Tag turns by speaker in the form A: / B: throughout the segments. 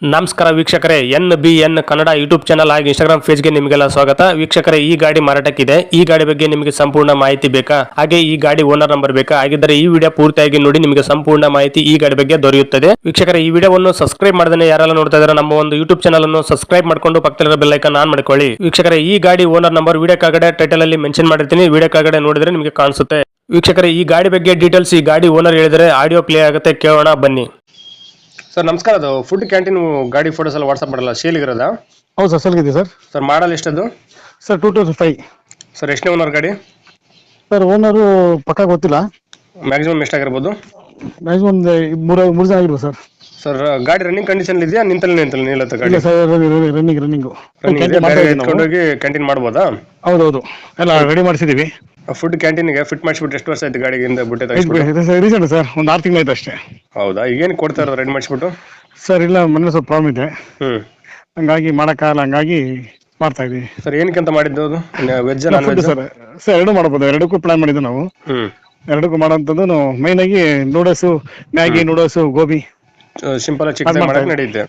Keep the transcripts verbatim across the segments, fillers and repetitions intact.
A: ನಮಸ್ಕಾರ ವೀಕ್ಷಕರೇ, N B N Kannada YouTube channel ಹಾಗೂ ಇನ್ಸ್ಟಾಗ್ರಾಮ್ ಪೇಜ್ಗೆ ನಿಮಗೆಲ್ಲ ಸ್ವಾಗತ. ವೀಕ್ಷಕರೇ, ಈ ಗಾಡಿ ಮಾರಾಟಕ್ಕಿದೆ. ಈ ಗಾಡಿ ಬಗ್ಗೆ ನಿಮಗೆ ಸಂಪೂರ್ಣ ಮಾಹಿತಿ ಬೇಕಾ, ಹಾಗೆ ಈ ಗಾಡಿ ಓನರ್ ನಂಬರ್ ಬೇಕಾ? ಹಾಗಿದ್ದರೆ ಈ ವಿಡಿಯೋ ಪೂರ್ತಿಯಾಗಿ ನೋಡಿ, ನಿಮಗೆ ಸಂಪೂರ್ಣ ಮಾಹಿತಿ ಈ ಗಾಡಿ ಬಗ್ಗೆ ದೊರೆಯುತ್ತದೆ. ವೀಕ್ಷಕರೇ, ಈ ವಿಡಿಯೋವನ್ನು ಸಬ್ಸ್ಕ್ರೈಬ್ ಮಾಡದೇ ಯಾರೆಲ್ಲ ನೋಡ್ತಾ ಇದ್ದಾರೆ ನಮ್ಮ ಒಂದು ಯೂಟ್ಯೂಬ್ ಚಾನಲ್ ಅನ್ನು ಸಬ್ಸ್ಕ್ರೈಬ್ ಮಾಡಿಕೊಂಡು ಪಕ್ಕದಲ್ಲಿರೋ ಬೆಲ್ ಐಕಾನ್ ಆನ್ ಮಾಡ್ಕೊಳ್ಳಿ. ವೀಕ್ಷಕರೇ, ಈ ಗಾಡಿ ಓನರ್ ನಂಬರ್ ವಿಡಿಯೋ ಕೆಳಗಡೆ ಟೈಟಲ್ ಅಲ್ಲಿ ಮೆನ್ಷನ್ ಮಾಡಿರ್ತೀನಿ, ವಿಡಿಯೋ ಕೆಳಗಡೆ ನೋಡಿದ್ರೆ ನಿಮಗೆ ಕಾಣಿಸುತ್ತೆ. ವೀಕ್ಷಕರೇ, ಈ ಗಾಡಿ ಬಗ್ಗೆ ಡೀಟೇಲ್ಸ್ ಈ ಗಾಡಿ ಓನರ್ ಹೇಳಿದರೆ ಆಡಿಯೋ ಪ್ಲೇ ಆಗುತ್ತೆ, ಕೇಳೋಣ ಬನ್ನಿ. ಸರ್ ನಮಸ್ಕಾರ, ಅದು ಫುಡ್ ಕ್ಯಾಂಟೀನ್ ಗಾಡಿ ಫೋಟೋಸ್ ಎಲ್ಲ ವಾಟ್ಸಪ್ ಮಾಡಲ್ಲ, ಸೇಲ್ಗಿರೋದ?
B: ಹೌದು ಸರ್, ಸೇಲ್ಗಿದೆ ಸರ್.
A: ಸರ್ ಮಾಡಲ್ ಎಷ್ಟದು?
B: Sir two thousand five.
A: Sir ಎಷ್ಟನೇ ಓನರ್ ಗಾಡಿ?
B: ಸರ್ ಓನರು ಪಕ್ಕ ಗೊತ್ತಿಲ್ಲ,
A: ಮ್ಯಾಕ್ಸಿಮಮ್ ಎಷ್ಟಾಗಿರ್ಬೋದು?
B: ಮ್ಯಾಕ್ಸಿಮಮ್ ಒಂದು ಮೂರು ಮೂರು ಜನ ಆಗಿರ್ಬೋದು ಸರ್.
A: ಸರ್ ಗಾಡಿ ರನ್ನಿಂಗ್ ಕಂಡೀಷನ್ ಇದೆಯಾ, ನಿಂತಲ್ಲಿ ನಿಂತಲ್ಲಿ ನಿಲ್ಲತ್ತ ಗಾಡಿ?
B: ಇಲ್ಲ ಸರ್, ರನ್ನಿಂಗ್ ರನ್ನಿಂಗು
A: ಎತ್ಕೊಂಡೋಗಿ ಕ್ಯಾಂಟೀನ್ ಮಾಡ್ಬೋದಾ?
B: ಹೌದೌದು, ಎಲ್ಲ ರೆಡಿ ಮಾಡಿಸಿದೀವಿ.
A: ಫುಡ್ ಕ್ಯಾಂಟೀನ್ಗೆ ಫಿಟ್ ಮಾಡಿಸ್ಬಿಟ್ಟು ಎಷ್ಟು ವರ್ಷ ಆಯ್ತು ಗಾಡಿಗಿಂದ ಬಿಟ್ಟೆ?
B: ರೀಸೆಂಟ್ ಸರ್, ಒಂದು ಆರು ತಿಂಗಳು ಆಯ್ತು ಅಷ್ಟೇ.
A: ಹೌದಾ, ಈಗೇನು ಕೊಡ್ತಾ ಇರೋದು ರೆಡಿ ಮಾಡಿಸ್ಬಿಟ್ಟು?
B: ಸರ್ ಇಲ್ಲ, ಮನೇಲಿ ಸ್ವಲ್ಪ ಪ್ರಾಬ್ಲಮ್ ಇದೆ,
A: ಹ್ಮ್
B: ಹಂಗಾಗಿ ಮಾಡೋಕ್ಕಾಗಲ್ಲ, ಹಂಗಾಗಿ ಮಾಡ್ತಾ ಇದೀವಿ.
A: ಸರ್ ಏನಕ್ಕೆ ಅಂತ ಮಾಡಿದ್ದು ಅದು? Veg non veg?
B: Sir sir ಎರಡು ಮಾಡ್ಬೋದು, ಎರಡಕ್ಕೂ ಪ್ಲಾನ್ ಮಾಡಿದ್ದು ನಾವು.
A: ಹ್ಮ್
B: ಎರಡಕ್ಕೂ ಮಾಡೋಂಥದ್ದು ಮೈನ್ ಆಗಿ noodles, Maggi, noodles, gobi
A: simple chicken ಮಾಡಕ್ಕೆ ನಡೆಯುತ್ತೆ.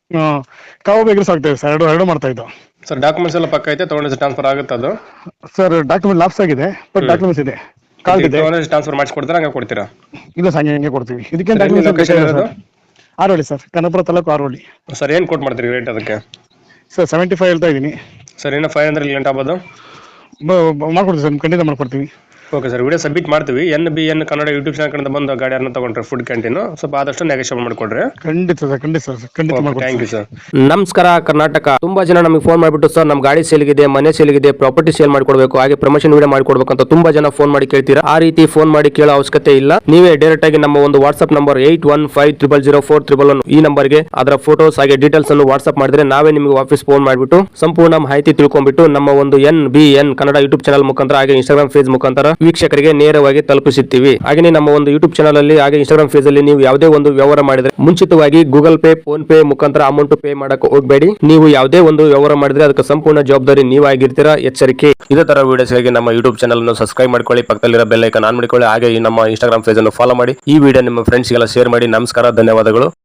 B: ಕಬಾಬ್ ಎಗ್ರೆಸ್ ಆಗ್ತದೆ ಸರ್, ಎರಡು ಎರಡು ಮಾಡ್ತಾ ಇದ್ದು.
A: ಸರ್ ಡಾಕ್ಯುಮೆಂಟ್ಸ್ ಎಲ್ಲ ಪಕ್ಕ ಐತೆ, ತಗೊಂಡು ಟ್ರಾನ್ಸ್ಫರ್ ಆಗುತ್ತೆ ಅದು?
B: ಸರ್ ಡಾಕ್ಯುಮೆಂಟ್ ಲಾಪ್ಸ್ ಆಗಿದೆ, ಬಟ್ ಡಾಕ್ಯುಮೆಂಟ್ಸ್ ಇದೆ, ಕಾರ್ಡ್ ಇದೆ.
A: ಟ್ರಾನ್ಸ್ಫರ್ ಮಾಡಿಸ್ಕೊಡ್ತಾರೆ, ಹಂಗೆ ಕೊಡ್ತೀರಾ?
B: ಇಲ್ಲ ಸರ್, ಹಂಗೆ ಕೊಡ್ತೀವಿ. ಇದಕ್ಕೆ
A: ಲೊಕೇಶನ್ ಇರೋದು
B: ಆರೋಳಿ ಸರ್, ಕನ್ನಪುರ ತಾಲೂಕು ಆರೋಳಿ.
A: ಸರ್ ಏನು ಕೊಟ್ಟು ಮಾಡ್ತೀರಿ ರೇಟ್ ಅದಕ್ಕೆ?
B: ಸರ್ ಸೆವೆಂಟಿ ಫೈವ್ ಹೇಳ್ತಾ ಇದ್ದೀನಿ.
A: ಸರ್ ಏನೋ ಫೈವ್ ಹಂಡ್ರೆಡ್ ಲೇಟ್ ಆಗ್ಬೋದು?
B: ಮಾಡ್ಕೊಡ್ತೀವಿ ಸರ್, ಖಂಡಿತ ಮಾಡ್ಕೊಡ್ತೀವಿ.
A: ಓಕೆ ಸರ್, ವಿಡಿಯೋ ಸಬ್ಮಿಟ್ ಮಾಡ್ತೀವಿ. N B N Kannada YouTube channel ಕಡೆಯಿಂದ ಬಂದು ಗಾಡಿಯನ್ನು ತಗೊಂಡ್ರೆ ಫುಡ್ ಕ್ಯಾಂಟೀನ್ ಸ್ವಲ್ಪ ಆದಷ್ಟು ನೆಗೋಷಿಯೇಟ್ ಮಾಡಿಕೊಡ್ರಿ.
B: ಖಂಡಿತ ಸರ್, ಖಂಡಿತ ಸರ್, ಖಂಡಿತ ಮಾಡ್ಕೊಡ್ತೀವಿ.
A: Thank you sir. ನಮಸ್ಕಾರ ಕರ್ನಾಟಕ. ತುಂಬಾ ಜನ ನಮಗೆ ಫೋನ್ ಮಾಡಿಬಿಟ್ಟು ಸರ್ ನಮ್ಮ ಗಾಡಿ ಸೇಲ್ಗಿದೆ, ಮನೆ ಸೇಲ್ಗಿದೆ, ಪ್ರಾಪರ್ಟಿ ಸೇಲ್ ಮಾಡ್ಕೊಡ್ಬೇಕು, ಹಾಗೆ ಪ್ರಮೋಷನ್ ವಿಡಿಯೋ ಮಾಡ್ಕೊಡ್ಬೇಕು ಅಂತ ತುಂಬಾ ಜನ ಫೋನ್ ಮಾಡಿ ಕೇಳ್ತೀರಾ. ಆ ರೀತಿ ಫೋನ್ ಮಾಡಿ ಕೇಳೋ ಅವಶ್ಯಕತೆ ಇಲ್ಲ. ನೀವೇ ಡೈರೆಕ್ಟ್ ಆಗಿ ನಮ್ಮ ಒಂದು WhatsApp number eight one five triple zero four triple one ಈ ನಂಬರ್ಗೆ ಅದರ ಫೋಟೋಸ್ ಹಾಗೆ ಡೀಟೇಲ್ಸ್ ಅನ್ನು ವಾಟ್ಸ್ಆಪ್ ಮಾಡಿದ್ರೆ ನಾವೇ ನಿಮಗೆ ವಾಪಸ್ ಫೋನ್ ಮಾಡಿಬಿಟ್ಟು ಸಂಪೂರ್ಣ ಮಾಹಿತಿ ತಿಳ್ಕೊಂಡ್ಬಿಟ್ಟು ನಮ್ಮ ಒಂದು N B N Kannada YouTube channel ಮುಖಾಂತರ ಹಾಗೆ ಇನ್ಸ್ಟಾಗ್ರಾಮ್ ಪೇಜ್ ಮುಖಾಂತರ ವೀಕ್ಷಕರಿಗೆ ನೇರವಾಗಿ ತಲುಪಿಸುತ್ತೀವಿ. ಹಾಗೆ ನಮ್ಮ ಒಂದು ಯೂಟ್ಯೂಬ್ ಚಾನಲ್ ಅಲ್ಲಿ ಹಾಗೆ ಇನ್ಸ್ಟಾಗ್ರಾಮ್ ಪೇಜ್ ಅಲ್ಲಿ ನೀವು ಯಾವುದೇ ಒಂದು ವ್ಯವಹಾರ ಮಾಡಿದ್ರೆ ಮುಂಚಿತವಾಗಿ ಗೂಗಲ್ ಪೇ, ಫೋನ್ ಪೇ ಮುಖಾಂತರ ಅಮೌಂಟ್ ಪೇ ಮಾಡಕ್ಕೆ ಹೋಗಬೇಡಿ. ನೀವು ಯಾವುದೇ ಒಂದು ವ್ಯವಹಾರ ಮಾಡಿದ್ರೆ ಅದಕ್ಕೆ ಸಂಪೂರ್ಣ ಜವಾಬ್ದಾರಿ ನೀವಾಗಿರ್ತೀರಾ, ಎಚ್ಚರಿಕೆ. ಇದೇ ತರ ವಿಡಿಯೋಸ್ಗಾಗಿ ನಮ್ಮ ಯೂಟ್ಯೂಬ್ ಚಾನಲ್ ಅನ್ನು ಸಬ್ಸ್ಕ್ರೈಬ್ ಮಾಡ್ಕೊಳ್ಳಿ, ಪಕ್ಕದಲ್ಲಿರೋ ಬೆಲ್ ಐಕಾನ್ ಆನ್ ಮಾಡಿಕೊಳ್ಳಿ, ಹಾಗೆ ನಮ್ಮ ಇನ್ಸ್ಟಾಗ್ರಾಮ್ ಪೇಜ್ ಅನ್ನು ಫಾಲೋ ಮಾಡಿ. ಈ ವಿಡಿಯೋ ನಿಮ್ಮ ಫ್ರೆಂಡ್ಸ್ಗೆಲ್ಲ ಶೇರ್ ಮಾಡಿ. ನಮಸ್ಕಾರ, ಧನ್ಯವಾದಗಳು.